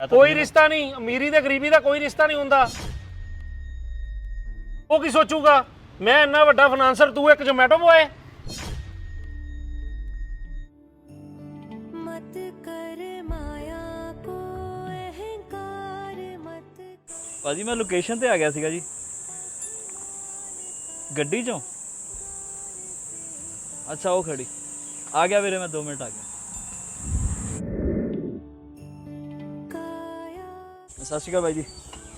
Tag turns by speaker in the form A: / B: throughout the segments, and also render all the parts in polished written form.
A: ਕੋਈ ਰਿਸ਼ਤਾ ਨਹੀਂ, ਅਮੀਰੀ ਤੇ ਗਰੀਬੀ ਦਾ ਕੋਈ ਰਿਸ਼ਤਾ ਨਹੀਂ ਹੁੰਦਾ। ਉਹ ਕੀ ਸੋਚੂਗਾ ਮੈਂ ਇੰਨਾ ਵੱਡਾ ਫਾਈਨਾਂਸਰ, ਤੂੰ ਇੱਕ ਜ਼ੋਮੈਟੋ ਬੁਆਏ।
B: मत कर माया को अहंकार मत।
C: ਭਾਜੀ ਮੈਂ ਲੋਕੇਸ਼ਨ ਤੇ ਆ ਗਿਆ ਸੀਗਾ ਜੀ, ਗੱਡੀ ਚੋਂ। ਅੱਛਾ ਉਹ ਖੜੀ ਆ ਗਿਆ ਵੀਰੇ, ਮੈਂ 2 ਮਿੰਟ ਆ ਗਿਆ। ਸਤਿ ਸ਼੍ਰੀ ਅਕਾਲ ਬਾਈ ਜੀ।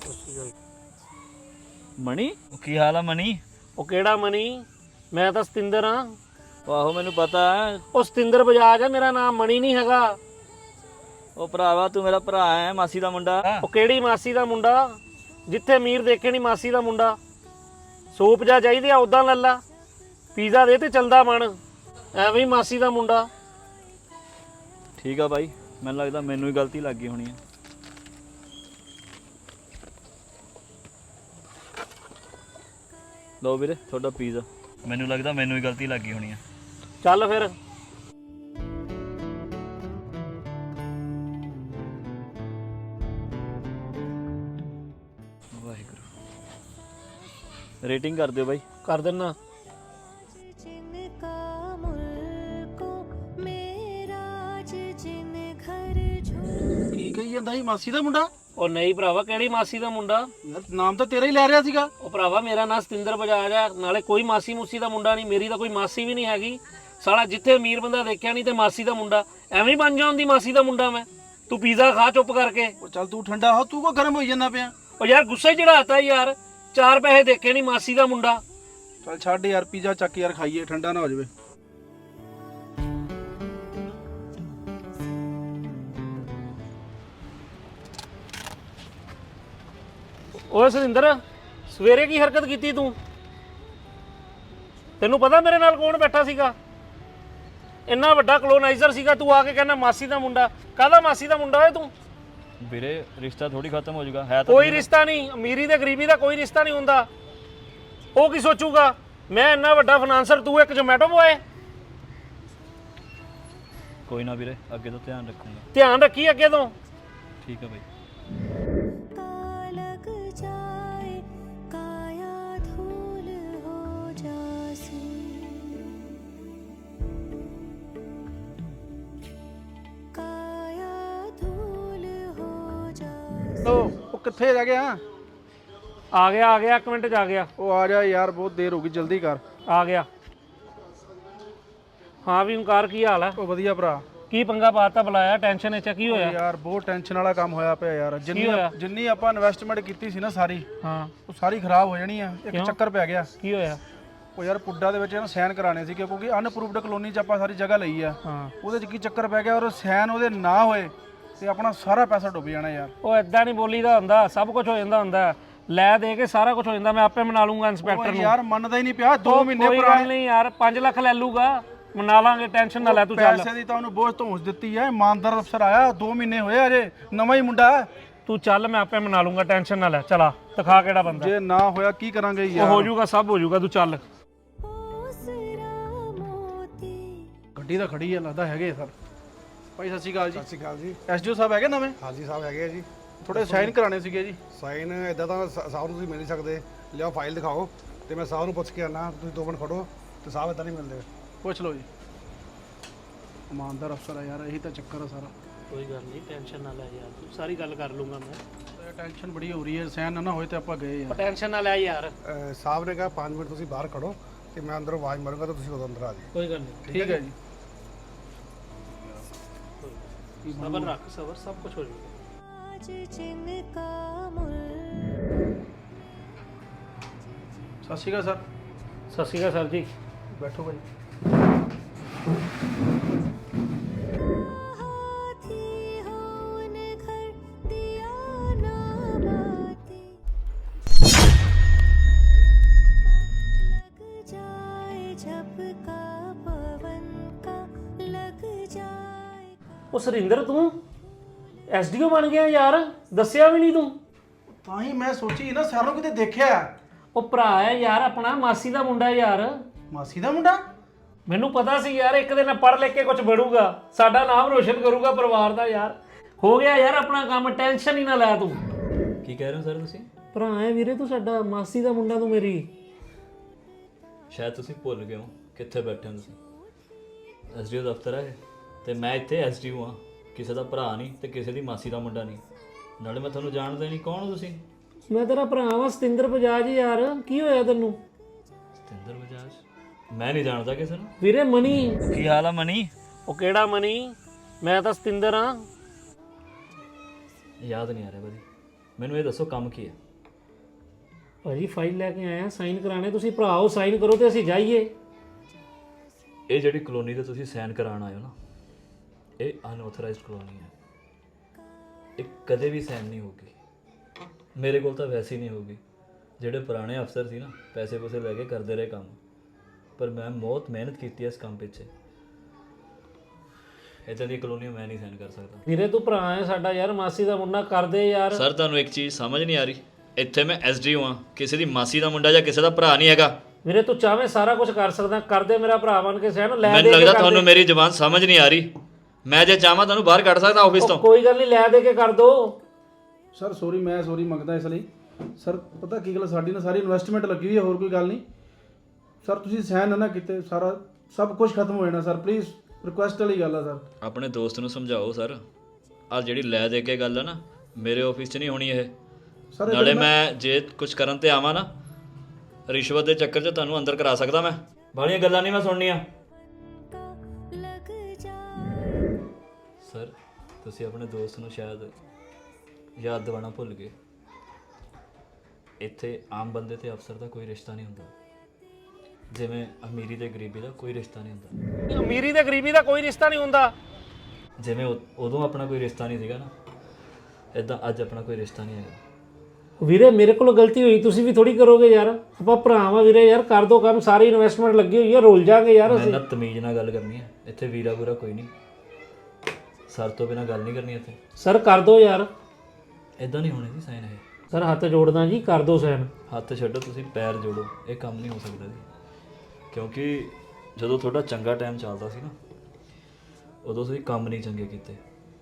C: ਮਣੀ ਕੀ ਹਾਲ ਆ ਮਣੀ?
A: ਉਹ ਕਿਹੜਾ ਮਨੀ? ਮੈਂ ਤਾਂ ਸਤਿੰਦਰ ਹਾਂ।
C: ਆਹੋ ਮੈਨੂੰ ਪਤਾ ਹੈ।
A: ਉਹ ਸਤਿੰਦਰ ਬਜਾਜ ਆ ਮੇਰਾ ਨਾਮ, ਮਣੀ ਨਹੀਂ ਹੈਗਾ।
C: ਉਹ ਭਰਾਵਾ ਤੂੰ ਮੇਰਾ ਭਰਾ ਹੈ, ਮਾਸੀ ਦਾ ਮੁੰਡਾ।
A: ਉਹ ਕਿਹੜੀ ਮਾਸੀ ਦਾ ਮੁੰਡਾ? ਜਿੱਥੇ ਅਮੀਰ ਦੇਖੇ ਨਹੀਂ ਮਾਸੀ ਦਾ ਮੁੰਡਾ। ਸੂਪ ਜਾ ਚਾਹੀਦੀ ਆ ਉਦਾਂ ਲੱਲਾ, ਪੀਜ਼ਾ ਦੇ ਤੇ ਚਲਦਾ ਬਣ, ਐਵੇਂ ਹੀ ਮਾਸੀ ਦਾ ਮੁੰਡਾ।
C: ਠੀਕ ਆ ਬਾਈ, ਮੈਨੂੰ ਲੱਗਦਾ ਮੈਨੂੰ ਹੀ ਗਲਤੀ ਲੱਗ ਗਈ ਹੋਣੀ ਹੈ। ਲਓ ਵੀਰੇ ਤੁਹਾਡਾ ਪੀਜ਼ਾ। ਮੈਨੂੰ ਲੱਗਦਾ ਮੈਨੂੰ ਹੀ ਗਲਤੀ ਲੱਗ ਗਈ ਹੋਣੀ ਹੈ।
A: ਚੱਲ ਫਿਰ।
C: ਵਾਹਿਗੁਰੂ। ਰੇਟਿੰਗ ਕਰ ਦਿਓ ਬਾਈ।
A: ਕਰ ਦਿੰਨਾ।
B: जिनका मुल्को मेरा जिन घर झूल।
D: ਕੀ ਕਹੀ ਜਾਂਦਾ ਸੀ ਮਾਸੀ ਦਾ ਮੁੰਡਾ?
A: ਉਹ ਨਹੀਂ ਭਰਾਵਾ, ਕਿਹੜੀ ਮਾਸੀ ਦਾ ਮੁੰਡਾ?
D: ਯਾਰ ਨਾਮ ਤਾਂ ਤੇਰਾ ਹੀ ਲੈ ਰਿਹਾ ਸੀਗਾ।
A: ਉਹ ਭਰਾਵਾ ਮੇਰਾ ਨਾਂ ਸਤਿੰਦਰ ਬਜਾਜ ਆ, ਨਾਲੇ ਕੋਈ ਮਾਸੀ ਮੂਸੀ ਦਾ ਮੁੰਡਾ ਨਹੀਂ, ਮੇਰੀ ਤਾਂ ਕੋਈ ਮਾਸੀ ਵੀ ਨਹੀਂ ਹੈਗੀ। ਸਾਲਾ ਜਿੱਥੇ ਅਮੀਰ ਬੰਦਾ ਦੇਖਿਆ ਨਹੀਂ ਤੇ ਮਾਸੀ ਦਾ ਮੁੰਡਾ, ਐਵੇਂ ਹੀ ਬਣ ਜਾਂਦੀ ਮਾਸੀ ਦਾ ਮੁੰਡਾ ਮੈਂ। ਤੂੰ ਪੀਜ਼ਾ ਖਾ ਚੁੱਪ ਕਰਕੇ।
D: ਉਹ ਚੱਲ ਤੂੰ ਠੰਡਾ ਹੋ, ਤੂੰ ਕੋ ਗਰਮ ਹੋਈ ਜਾਂਦਾ ਪਿਆ?
A: ਉਹ ਯਾਰ ਗੁੱਸੇ ਚੜਾਤਾ ਯਾਰ, 4 ਪੈਸੇ ਦੇਖੇ ਨਹੀਂ ਮਾਸੀ ਦਾ ਮੁੰਡਾ।
D: ਚੱਲ ਛੱਡ ਯਾਰ, ਪੀਜ਼ਾ ਚੱਕ ਯਾਰ ਖਾਈਏ, ਠੰਡਾ ਨਾ ਹੋ ਜਾਵੇ।
A: ਓਏ ਸੁਰਿੰਦਰ, ਸਵੇਰੇ ਕੀ ਹਰਕਤ ਕੀਤੀ ਤੂੰ? ਤੈਨੂੰ ਪਤਾ ਮੇਰੇ ਨਾਲ ਕੌਣ ਬੈਠਾ ਸੀਗਾ? ਇੰਨਾ ਵੱਡਾ ਕਲੋਨਾਈਜ਼ਰ ਸੀਗਾ, ਤੂੰ ਆ ਕੇ ਕਹਿੰਦਾ ਮਾਸੀ ਦਾ ਮੁੰਡਾ। ਕਾਹਦਾ ਮਾਸੀ ਦਾ ਮੁੰਡਾ ਓਏ ਤੂੰ?
C: ਵੀਰੇ ਰਿਸ਼ਤਾ ਥੋੜੀ ਖਤਮ ਹੋ ਜਾਊਗਾ, ਹੈ ਤਾਂ
A: ਕੋਈ ਰਿਸ਼ਤਾ ਨਹੀਂ, ਅਮੀਰੀ ਤੇ ਗਰੀਬੀ ਦਾ ਕੋਈ ਰਿਸ਼ਤਾ ਨਹੀਂ ਹੁੰਦਾ। ਉਹ ਕੀ ਸੋਚੂਗਾ ਮੈਂ ਇੰਨਾ ਵੱਡਾ ਫਾਈਨਾਂਸਰ, ਤੂੰ ਇੱਕ ਜ਼ੋਮੈਟੋ ਬੁਆਏ।
C: ਕੋਈ ਨਾ ਵੀਰੇ, ਅੱਗੇ ਤੋਂ ਧਿਆਨ ਰੱਖੂੰਗਾ।
A: ਧਿਆਨ ਰੱਖੀ ਅੱਗੇ ਤੋਂ।
C: ਠੀਕ ਹੈ ਬਾਈ।
B: का लग जाए काया धूल हो जासी। काया धूल हो जासी।
D: ਉਹ ਕਿੱਥੇ ਰਹਿ ਗਿਆ?
A: ਆ ਗਿਆ 1 ਮਿੰਟ ਚ ਆ ਗਿਆ।
D: ਉਹ ਆ ਜਾ ਯਾਰ, ਬਹੁਤ ਦੇਰ ਹੋ ਗਈ, ਜਲਦੀ ਕਰ।
A: ਆ ਗਿਆ। ਹਾਂ ਵੀ ਓਂਕਾਰ, ਕੀ ਹਾਲ ਹੈ?
D: ਉਹ ਵਧੀਆ ਭਰਾ।
A: ਕੀ ਪੰਗਾ ਪਾਤਾ, ਬੁਲਾਇਆ? ਟੈਨਸ਼ਨ ਵਿੱਚ ਕੀ
D: ਉਹ
A: ਹੋਇਆ?
D: ਯਾਰ ਬਹੁਤ ਟੈਨਸ਼ਨ ਵਾਲਾ ਕੰਮ ਹੋਇਆ ਪਿਆ ਯਾਰ।
A: ਹੋਇਆ?
D: ਜਿੰਨੀ ਆਪਾਂ ਇਨਵੈਸਟਮੈਂਟ ਕੀਤੀ ਸੀ ਨਾ ਸਾਰੀ,
A: ਹਾਂ।
D: ਉਹ ਸਾਰੀ ਖਰਾਬ ਹੋ ਜਾਣੀ ਆ। ਇੱਕ ਚੱਕਰ ਪੈ ਗਿਆ।
A: ਕੀ ਹੋਇਆ?
D: ਉਹ ਯਾਰ ਪੁੱਡਾ ਦੇ ਵਿੱਚ ਇਹਨਾਂ ਸਾਈਨ ਕਰਾਣੇ ਸੀ, ਕਿਉਂਕਿ ਅਨਅਪਰੂਵਡ ਕਲੋਨੀ 'ਚ ਆਪਾਂ ਸਾਰੀ ਜਗ੍ਹਾ ਲਈ ਆ।
A: ਹਾਂ।
D: ਉਹਦੇ 'ਚ ਕੀ ਚੱਕਰ ਪੈ ਗਿਆ, ਔਰ ਸਾਈਨ ਉਹਦੇ ਨਾ ਹੋਏ ਤੇ ਆਪਣਾ ਸਾਰਾ ਪੈਸਾ ਡੁੱਬ ਜਾਣਾ ਯਾਰ।
A: ਉਹ ਏਦਾਂ ਨਹੀਂ ਬੋਲੀਦਾ ਹੁੰਦਾ, ਸਭ ਕੁਝ ਹੋ ਜਾਂਦਾ ਹੁੰਦਾ। ਲੈ ਦੇ ਕੇ ਸਾਰਾ ਕੁਝ ਹੋ ਜਾਂਦਾ। ਮੈਂ ਆਪੇ ਮਨਾ ਲੂੰਗਾ ਇੰਸਪੈਕਟਰ
D: ਉਹ
A: ਨੂੰ।
D: ਯਾਰ ਮੰਨਦਾ ਹੀ ਨਹੀਂ ਪਿਆ। 2 ਮਹੀਨੇ
A: ਕੋਈ ਗੱਲ ਨਹੀਂ ਯਾਰ, 5 ਲੱਖ ਲੈ ਲੂਗਾ, ਮਨਾ ਲਾਂਗੇ, ਟੈਨਸ਼ਨ ਨਾ ਲੈ ਤੂੰ। ਚੱਲ
D: ਪੈਸੇ ਦੀ ਤਾਂ ਉਹਨੂੰ ਬੋਝ ਧੌਂਸ ਦਿੱਤੀ ਹੈ। ਇਮਾਨਦਾਰ ਅਫਸਰ ਆਇਆ, 2 ਮਹੀਨੇ ਹੋਏ ਅਜੇ, ਨਵਾਂ ਹੀ ਮੁੰਡਾ ਹੈ।
A: ਤੂੰ ਚੱਲ, ਮੈਂ ਆਪੇ ਮਨਾ ਲੂੰਗਾ, ਟੈਨਸ਼ਨ ਨਾ ਲੈ। ਚਲਾ ਦਿਖਾ ਕਿਹੜਾ ਬੰਦਾ।
D: ਜੇ ਨਾ ਹੋਇਆ ਕੀ ਕਰਾਂਗੇ
A: ਉਹ
D: ਯਾਰ?
A: ਹੋ ਜਾਊਗਾ, ਸਭ ਹੋ ਜਾਊਗਾ, ਤੂੰ ਚੱਲ।
B: ओसरा मोती।
D: ਗੱਡੀ ਤਾਂ ਖੜੀ ਹੈ, ਲੱਗਦਾ ਹੈਗੇ ਸਰ। ਭਾਈ ਸਤਿ ਸ਼੍ਰੀ ਅਕਾਲ ਜੀ।
E: ਸਤਿ ਸ਼੍ਰੀ ਅਕਾਲ ਜੀ।
D: ਐਸਡੀਓ ਸਾਹਿਬ ਹੈਗੇ ਨਵੇਂ?
E: ਹਾਜੀ ਸਾਹਿਬ ਹੈਗੇ ਆ ਜੀ।
D: ਥੋੜੇ ਸਾਈਨ ਕਰਾਣੇ ਸੀਗੇ ਜੀ।
E: ਸਾਈਨ ਇਦਾਂ ਤਾਂ ਸਾਹਿਬ ਨੂੰ ਤੁਸੀਂ ਮਿਲ ਨਹੀਂ ਸਕਦੇ। ਲਿਆਓ ਫਾਈਲ ਦਿਖਾਓ ਤੇ ਮੈਂ ਸਾਹਿਬ ਨੂੰ ਪੁੱਛ ਕੇ ਆਣਾ। ਤੁਸੀਂ 2 ਮਿੰਟ ਖੜੋ ਤੇ ਸਾਹਿਬ ਇਦਾਂ ਨਹੀਂ ਮਿਲਦੇ।
D: ਪੁੱਛ ਲਓ ਜੀ। ਇਮਾਨਦਾਰ ਅਫਸਰ ਆ ਯਾਰ, ਇਹੀ ਤਾਂ ਚੱਕਰ ਆ ਸਾਰਾ।
A: ਕੋਈ ਗੱਲ ਨਹੀਂ, ਟੈਨਸ਼ਨ ਨਾ ਲੈ ਯਾਰ, ਤੂੰ ਸਾਰੀ ਗੱਲ ਕਰ ਲੂੰਗਾ ਮੈਂ।
D: ਟੈਨਸ਼ਨ ਬੜੀ ਹੋ ਰਹੀ ਹੈ, ਸਾਈਨ ਨਾ ਹੋਏ ਤੇ ਆਪਾਂ ਗਏ ਯਾਰ।
A: ਟੈਨਸ਼ਨ ਨਾ ਲੈ ਯਾਰ।
E: ਸਾਹਿਬ ਨੇ ਕਿਹਾ 5 ਮਿੰਟ ਤੁਸੀਂ ਬਾਹਰ ਖੜੋ ਤੇ ਮੈਂ ਅੰਦਰੋਂ ਆਵਾਜ਼ ਮਾਰੂੰਗਾ ਤਾਂ ਤੁਸੀਂ ਉਦੋਂ ਅੰਦਰ ਆ ਜਾਓ।
A: ਕੋਈ ਗੱਲ ਨਹੀਂ,
D: ਠੀਕ ਹੈ ਜੀ।
A: ਸਬਰ ਰੱਖ, ਸਬਰ, ਸਭ ਕੁਝ ਹੋ ਜਾਊਗਾ।
B: आज जिनका मुल्क।
D: ਸਤਿ ਸ਼੍ਰੀ ਅਕਾਲ ਸਰ।
A: ਸਤਿ ਸ਼੍ਰੀ ਅਕਾਲ ਸਰ ਜੀ।
D: ਬੈਠੋ ਭਾਈ।
B: हाथी हो उन घर दिया ना बाती। लग जाए झपका पवन का लग जाए।
A: ਉਹ ਸੁਰਿੰਦਰ, ਤੂੰ ਐਸਡੀਓ ਬਣ ਗਿਆ ਯਾਰ, ਦੱਸਿਆ ਵੀ ਨਹੀਂ ਤੂੰ।
D: ਤਾਂ ਹੀ ਮੈਂ ਸੋਚੀ ਨਾ, ਸਾਰੋਂ ਕਿਤੇ ਦੇਖਿਆ।
A: ਉਹ ਭਰਾ ਹੈ ਯਾਰ ਆਪਣਾ, ਮਾਸੀ ਦਾ ਮੁੰਡਾ ਯਾਰ।
D: ਮਾਸੀ ਦਾ ਮੁੰਡਾ?
A: ਮੈਨੂੰ ਪਤਾ ਸੀ ਯਾਰ, ਇੱਕ ਦਿਨ ਪੜ੍ਹ ਲਿਖ ਕੇ ਕੁਝ ਬਣੂਗਾ, ਸਾਡਾ ਨਾਮ ਰੋਸ਼ਨ ਕਰੂਗਾ ਪਰਿਵਾਰ ਦਾ ਯਾਰ। ਹੋ ਗਿਆ ਯਾਰ ਆਪਣਾ ਕੰਮ, ਟੈਨਸ਼ਨ ਹੀ ਨਾ ਲੈ ਤੂੰ।
C: ਕੀ ਕਹਿ ਰਹੇ ਹੋ ਸਰ ਤੁਸੀਂ?
A: ਭਰਾ ਹੈ ਵੀਰੇ ਤੂੰ ਸਾਡਾ, ਮਾਸੀ ਦਾ ਮੁੰਡਾ ਤੂੰ ਮੇਰੀ।
C: ਸ਼ਾਇਦ ਤੁਸੀਂ ਭੁੱਲ ਗਏ ਹੋ ਕਿੱਥੇ ਬੈਠੇ ਹੋ ਤੁਸੀਂ। ਐਸਡੀਓ ਦਫ਼ਤਰ ਹੈ ਤੇ ਮੈਂ ਇੱਥੇ ਐਸਡੀਓ ਹਾਂ, ਕਿਸੇ ਦਾ ਭਰਾ ਨਹੀਂ ਤੇ ਕਿਸੇ ਦੀ ਮਾਸੀ ਦਾ ਮੁੰਡਾ ਨਹੀਂ। ਨਾਲੇ ਮੈਂ ਤੁਹਾਨੂੰ ਜਾਣਦਾ ਨਹੀਂ, ਕੌਣ ਹੋ ਤੁਸੀਂ?
A: ਮੈਂ ਤੇਰਾ ਭਰਾ ਵਾਂ ਸਤਿੰਦਰ ਬਜਾਜ ਯਾਰ, ਕੀ ਹੋਇਆ ਤੈਨੂੰ?
C: ਸਤਿੰਦਰ ਬਜਾਜ? ਮੈਂ ਨਹੀਂ ਜਾਣਦਾ ਕਿਸੇ ਨੂੰ।
A: ਵੀਰੇ ਮਨੀ।
C: ਕੀ ਹਾਲ ਆ ਮਨੀ?
A: ਉਹ ਕਿਹੜਾ ਮਨੀ? ਮੈਂ ਤਾਂ ਸਤਿੰਦਰ ਹਾਂ।
C: ਯਾਦ ਨਹੀਂ ਆ ਰਿਹਾ ਭਾਜੀ, ਮੈਨੂੰ ਇਹ ਦੱਸੋ ਕੰਮ ਕੀ ਹੈ?
A: ਭਾਜੀ ਫਾਈਲ ਲੈ ਕੇ ਆਇਆ, ਸਾਈਨ ਕਰਾਣੇ। ਤੁਸੀਂ ਭਰਾਓ ਸਾਈਨ ਕਰੋ ਤੇ ਅਸੀਂ ਜਾਈਏ।
C: ਇਹ ਜਿਹੜੀ ਕਲੋਨੀ ਤੇ ਤੁਸੀਂ ਸਾਈਨ ਕਰਾਉਣ ਆਏ ਹੋ ਨਾ, ਇਹ ਅਨਆਥੋਰਾਈਜ਼ਡ ਕਲੋਨੀ ਹੈ। ਇਹ ਕਦੇ ਵੀ ਸਾਈਨ ਨਹੀਂ ਹੋਊਗੀ, ਮੇਰੇ ਕੋਲ ਤਾਂ ਵੈਸੇ ਹੀ ਨਹੀਂ ਹੋਊਗੀ। ਜਿਹੜੇ ਪੁਰਾਣੇ ਅਫਸਰ ਸੀ ਨਾ, ਪੈਸੇ ਪੂਸੇ ਲੈ ਕੇ ਕਰਦੇ ਰਹੇ ਕੰਮ, ਪਰ ਮੈਂ ਬਹੁਤ ਮਿਹਨਤ ਕੀਤੀ ਹੈ ਇਸ ਕੰਮ ਪਿੱਛੇ। ਇੱਦਾਂ ਦੀ ਕਲੋਨੀ ਮੈਂ ਨਹੀਂ ਸਾਈਨ ਕਰ ਸਕਦਾ।
A: ਵੀਰੇ ਤੂੰ ਭਰਾ ਹੈ ਸਾਡਾ ਯਾਰ, ਮਾਸੀ ਦਾ ਮੁੰਡਾ ਕਰਦੇ ਯਾਰ।
C: ਸਰ ਤੁਹਾਨੂੰ ਇੱਕ ਚੀਜ਼ ਸਮਝ ਨਹੀਂ ਆ ਰਹੀ, ਇੱਥੇ ਮੈਂ ਐਸਡੀਓ ਹਾਂ, ਕਿਸੇ ਦੀ ਮਾਸੀ ਦਾ ਮੁੰਡਾ ਜਾਂ ਕਿਸੇ ਦਾ ਭਰਾ ਨਹੀਂ ਹੈਗਾ।
A: ਵੀਰੇ ਤੂੰ ਚਾਹਵੇਂ ਸਾਰਾ ਕੁਝ ਕਰ ਸਕਦਾ, ਕਰਦੇ ਮੇਰਾ ਭਰਾ ਬਣ ਕੇ ਸਹਿਣ ਲੈ ਦੇ।
C: ਮੈਨੂੰ ਲੱਗਦਾ ਤੁਹਾਨੂੰ ਮੇਰੀ ਜ਼ੁਬਾਨ ਸਮਝ ਨਹੀਂ ਆ ਰਹੀ। ਮੈਂ ਜੇ ਚਾਹਾਂ ਤੁਹਾਨੂੰ ਬਾਹਰ ਕੱਢ ਸਕਦਾ ਆਫਿਸ ਤੋਂ।
A: ਕੋਈ ਗੱਲ ਨਹੀਂ, ਲੈ ਦੇ ਕੇ ਕਰ ਦੋ।
D: ਸਰ ਸੌਰੀ, ਮੈਂ ਸੌਰੀ ਮੰਗਦਾ ਇਸ ਲਈ। ਸਰ ਪਤਾ ਕੀ ਗੱਲ, ਸਾਡੀ ਨਾ ਸਾਰੀ ਇਨਵੈਸਟਮੈਂਟ ਲੱਗੀ ਹੋਈ ਹੈ, ਹੋਰ ਕੋਈ ਗੱਲ ਨਹੀਂ। ਸਰ ਤੁਸੀਂ ਸਾਈਨ ਨਾ ਕੀਤੇ, ਸਾਰਾ ਸਭ ਕੁਝ ਖਤਮ ਹੋ ਜਾਣਾ ਸਰ। ਪਲੀਜ਼ ਰਿਕੁਐਸਟ ਵਾਲੀ ਗੱਲ ਆ ਸਰ।
C: ਆਪਣੇ ਦੋਸਤ ਨੂੰ ਸਮਝਾਓ ਸਰ, ਆਹ ਜਿਹੜੀ ਲੈ ਦੇ ਕੇ ਗੱਲ ਆ ਨਾ, ਮੇਰੇ ਆਫਿਸ 'ਚ ਨਹੀਂ ਹੋਣੀ ਇਹ।
D: ਸਰ
C: ਨਾਲੇ ਮੈਂ ਜੇ ਕੁਝ ਕਰਨ ਤੇ ਆਵਾਂ ਨਾ, ਰਿਸ਼ਵਤ ਦੇ ਚੱਕਰ 'ਚ ਤੁਹਾਨੂੰ ਅੰਦਰ ਕਰਾ ਸਕਦਾ ਮੈਂ। ਬਾਹਲੀਆਂ ਗੱਲਾਂ ਨਹੀਂ ਮੈਂ ਸੁਣਨੀਆਂ।
B: लग जाए
C: ਸਰ ਤੁਸੀਂ ਆਪਣੇ ਦੋਸਤ ਨੂੰ ਸ਼ਾਇਦ ਯਾਦ ਦਿਵਾਉਣਾ ਭੁੱਲ ਗਏ। ਇੱਥੇ ਆਮ ਬੰਦੇ ਤੇ ਅਫਸਰ ਦਾ ਕੋਈ ਰਿਸ਼ਤਾ ਨਹੀਂ ਹੁੰਦਾ, ਜਿਵੇਂ ਅਮੀਰੀ ਤੇ ਗਰੀਬੀ ਦਾ ਕੋਈ ਰਿਸ਼ਤਾ ਨਹੀਂ ਹੁੰਦਾ।
A: ਅਮੀਰੀ ਤੇ ਗਰੀਬੀ ਦਾ ਕੋਈ ਰਿਸ਼ਤਾ ਨਹੀਂ ਹੁੰਦਾ।
C: ਜਿਵੇਂ ਉਦੋਂ ਆਪਣਾ ਕੋਈ ਰਿਸ਼ਤਾ ਨਹੀਂ ਸੀਗਾ ਨਾ, ਇਦਾਂ ਅੱਜ ਆਪਣਾ ਕੋਈ ਰਿਸ਼ਤਾ ਨਹੀਂ ਹੈਗਾ।
A: ਵੀਰੇ ਮੇਰੇ ਕੋਲ ਗਲਤੀ ਹੋਈ, ਤੁਸੀਂ ਵੀ ਥੋੜੀ ਕਰੋਗੇ ਯਾਰ। ਆਪਾਂ ਭਰਾਵਾਂ ਵੀਰੇ ਯਾਰ, ਕਰ ਦੋ ਕੰਮ। ਸਾਰੀ ਇਨਵੈਸਟਮੈਂਟ ਲੱਗੀ ਹੋਈ ਹੈ, ਰੁੱਲ ਜਾਾਂਗੇ ਯਾਰ
C: ਮੈਂ
A: ਅਸੀਂ।
C: ਨਾ ਤਮੀਜ਼ ਨਾਲ ਗੱਲ ਕਰਨੀ ਹੈ ਇੱਥੇ, ਵੀਰਾ ਬੁਰਾ ਕੋਈ ਨਹੀਂ। ਸਰ ਤੋਂ ਬਿਨਾਂ ਗੱਲ ਨਹੀਂ ਕਰਨੀ ਇੱਥੇ।
A: ਸਰ ਕਰ ਦੋ ਯਾਰ।
C: ਇਦਾਂ ਨਹੀਂ ਹੋਣੇ ਜੀ ਸਾਈਨ ਇਹ।
A: ਸਰ ਹੱਥ ਜੋੜਦਾ ਜੀ, ਕਰ ਦੋ ਸਾਈਨ।
C: ਹੱਥ ਛੱਡੋ, ਤੁਸੀਂ ਪੈਰ ਜੋੜੋ। ਇਹ ਕੰਮ ਨਹੀਂ ਹੋ ਸਕਦਾ ਜੀ, ਕਿਉਂਕਿ ਜਦੋਂ ਤੁਹਾਡਾ ਚੰਗਾ ਟਾਈਮ ਚੱਲਦਾ ਸੀ ਨਾ, ਉਦੋਂ ਤੁਸੀਂ ਕੰਮ ਨਹੀਂ ਚੰਗੇ ਕੀਤੇ।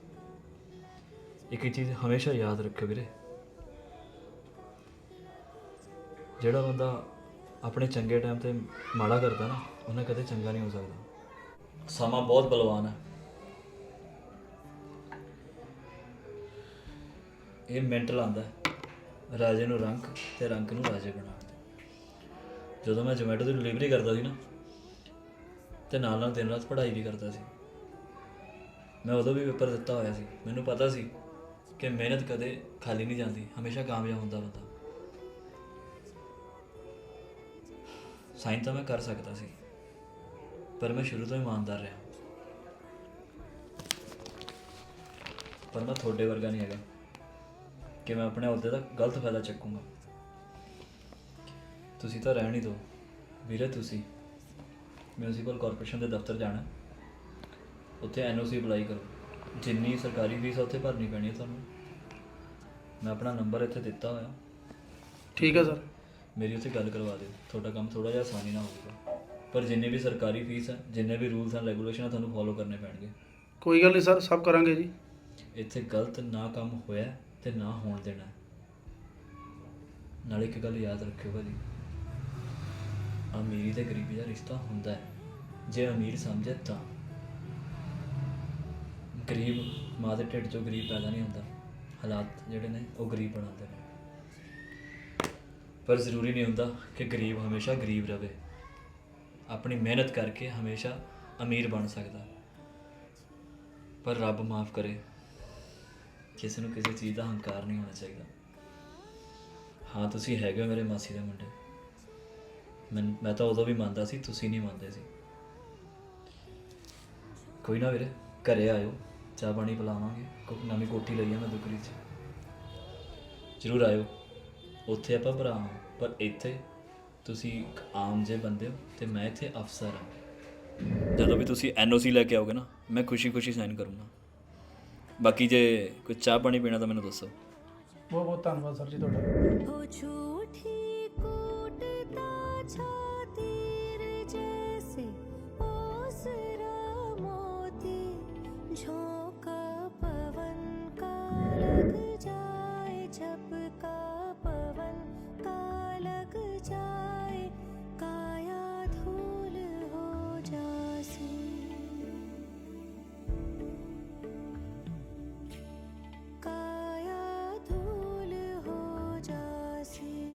C: ਇੱਕ ਚੀਜ਼ ਹਮੇਸ਼ਾ ਯਾਦ ਰੱਖਿਓ ਵੀਰੇ, ਜਿਹੜਾ ਬੰਦਾ ਆਪਣੇ ਚੰਗੇ ਟਾਈਮ ਤੇ ਮਾੜਾ ਕਰਦਾ ਨਾ, ਉਹਨੇ ਕਦੇ ਚੰਗਾ ਨਹੀਂ ਹੋ ਸਕਦਾ। ਸਮਾਂ ਬਹੁਤ ਬਲਵਾਨ ਹੈ। ਇਹ ਮਿੰਟ ਲਾਉਂਦਾ ਰਾਜੇ ਨੂੰ ਰੰਕ ਤੇ ਰੰਕ ਨੂੰ ਰਾਜੇ ਬਣਾਉਣ ਦੇ। ਜਦੋਂ ਮੈਂ ਜ਼ੋਮੈਟੋ ਦੀ ਡਿਲੀਵਰੀ ਕਰਦਾ ਸੀ ਨਾ, ਤੇ ਨਾਲ ਨਾਲ ਦਿਨ ਰਾਤ ਪੜ੍ਹਾਈ ਵੀ ਕਰਦਾ ਸੀ, ਮੈਂ ਉਦੋਂ ਵੀ ਪੇਪਰ ਦਿੱਤਾ ਹੋਇਆ ਸੀ। ਮੈਨੂੰ ਪਤਾ ਸੀ ਕਿ ਮਿਹਨਤ ਕਦੇ ਖਾਲੀ ਨਹੀਂ ਜਾਂਦੀ, ਹਮੇਸ਼ਾ ਕਾਮਯਾਬ ਹੁੰਦਾ ਬੰਦਾ। ਸਾਈਨ ਤਾਂ ਮੈਂ ਕਰ ਸਕਦਾ ਸੀ, ਪਰ ਮੈਂ ਸ਼ੁਰੂ ਤੋਂ ਇਮਾਨਦਾਰ ਰਿਹਾ। ਪਰ ਮੈਂ ਤੁਹਾਡੇ ਵਰਗਾ ਨਹੀਂ ਹੈਗਾ ਕਿ ਮੈਂ ਆਪਣੇ ਅਹੁਦੇ ਦਾ ਗਲਤ ਫਾਇਦਾ ਚੱਕੂੰਗਾ। ਤੁਸੀਂ ਤਾਂ ਰਹਿਣ ਹੀ ਦਿਓ ਵੀਰੇ। ਤੁਸੀਂ ਮਿਊਨਿਸਪਲ ਕਾਰਪੋਰੇਸ਼ਨ ਦੇ ਦਫ਼ਤਰ ਜਾਣਾ, ਉੱਥੇ ਐਨਓਸੀ ਅਪਲਾਈ ਕਰੋ। ਜਿੰਨੀ ਸਰਕਾਰੀ ਫੀਸ ਆ ਉੱਥੇ ਭਰਨੀ ਪੈਣੀ ਹੈ ਤੁਹਾਨੂੰ। ਮੈਂ ਆਪਣਾ ਨੰਬਰ ਇੱਥੇ ਦਿੱਤਾ ਹੋਇਆ।
D: ਠੀਕ ਹੈ ਸਰ।
C: ਮੇਰੀ ਉੱਥੇ ਗੱਲ ਕਰਵਾ ਦਿਓ। ਤੁਹਾਡਾ ਕੰਮ ਥੋੜ੍ਹਾ ਜਿਹਾ ਆਸਾਨੀ ਨਾਲ ਹੋਊਗਾ, ਪਰ ਜਿੰਨੇ ਵੀ ਸਰਕਾਰੀ ਫੀਸ ਹੈ, ਜਿੰਨੇ ਵੀ ਰੂਲਸ ਐਂਡ ਰੈਗੂਲੇਸ਼ਨ ਆ, ਤੁਹਾਨੂੰ ਫੋਲੋ ਕਰਨੇ ਪੈਣਗੇ।
D: ਕੋਈ ਗੱਲ ਨਹੀਂ ਸਰ, ਸਭ ਕਰਾਂਗੇ ਜੀ।
C: ਇੱਥੇ ਗਲਤ ਨਾ ਕੰਮ ਹੋਇਆ ਤੇ ਨਾ ਹੋਣ ਦੇਣਾ। ਨਾਲੇ ਇੱਕ ਗੱਲ ਯਾਦ ਰੱਖਿਓ ਭਾਜੀ, ਅਮੀਰੀ ਤੇ ਗਰੀਬੀ ਦਾ ਰਿਸ਼ਤਾ ਹੁੰਦਾ ਹੈ ਜੇ ਅਮੀਰ ਸਮਝੇ ਤਾਂ। ਗਰੀਬ ਮਾਂ ਦੇ ਢਿੱਡ 'ਚੋਂ ਗਰੀਬ ਪੈਦਾ ਨਹੀਂ ਹੁੰਦਾ, ਹਾਲਾਤ ਜਿਹੜੇ ਨੇ ਉਹ ਗਰੀਬ ਬਣਾਉਂਦੇ ਨੇ। ਪਰ ਜ਼ਰੂਰੀ ਨਹੀਂ ਹੁੰਦਾ ਕਿ ਗਰੀਬ ਹਮੇਸ਼ਾ ਗਰੀਬ ਰਹੇ। ਆਪਣੀ ਮਿਹਨਤ ਕਰਕੇ ਹਮੇਸ਼ਾ ਅਮੀਰ ਬਣ ਸਕਦਾ। ਪਰ ਰੱਬ ਮਾਫ ਕਰੇ, ਕਿਸੇ ਨੂੰ ਕਿਸੇ ਚੀਜ਼ ਦਾ ਹੰਕਾਰ ਨਹੀਂ ਹੋਣਾ ਚਾਹੀਦਾ। ਹਾਂ ਤੁਸੀਂ ਹੈਗੇ ਹੋ ਮੇਰੇ ਮਾਸੀ ਦੇ ਮੁੰਡੇ, ਮੈਂ ਤਾਂ ਉਦੋਂ ਵੀ ਮੰਨਦਾ ਸੀ, ਤੁਸੀਂ ਨਹੀਂ ਮੰਨਦੇ ਸੀ। ਕੋਈ ਨਾ ਵੀਰੇ, ਘਰੇ ਆਇਓ, ਚਾਹ ਪਾਣੀ ਪਿਲਾਵਾਂਗੇ। ਨਵੀਂ ਕੋਠੀ ਲਈ ਆ ਮੈਂ ਦੁਗਰੀ 'ਚ, ਜ਼ਰੂਰ ਆਇਓ। ਉੱਥੇ ਆਪਾਂ ਭਰਾ ਹਾਂ, ਪਰ ਇੱਥੇ ਤੁਸੀਂ ਇੱਕ ਆਮ ਜਿਹੇ ਬੰਦੇ ਹੋ ਤੇ ਮੈਂ ਇੱਥੇ ਅਫਸਰ ਹਾਂ। ਜਦੋਂ ਵੀ ਤੁਸੀਂ ਐਨਓਸੀ ਲੈ ਕੇ ਆਓਗੇ ਨਾ, ਮੈਂ ਖੁਸ਼ੀ ਸਾਈਨ ਕਰੂੰਗਾ। ਬਾਕੀ ਜੇ ਕੋਈ ਚਾਹ ਪਾਣੀ ਪੀਣਾ ਤਾਂ ਮੈਨੂੰ ਦੱਸੋ।
D: ਬਹੁਤ ਬਹੁਤ ਧੰਨਵਾਦ ਸਰ ਜੀ ਤੁਹਾਡਾ।
B: ओ झूठी कूटता छा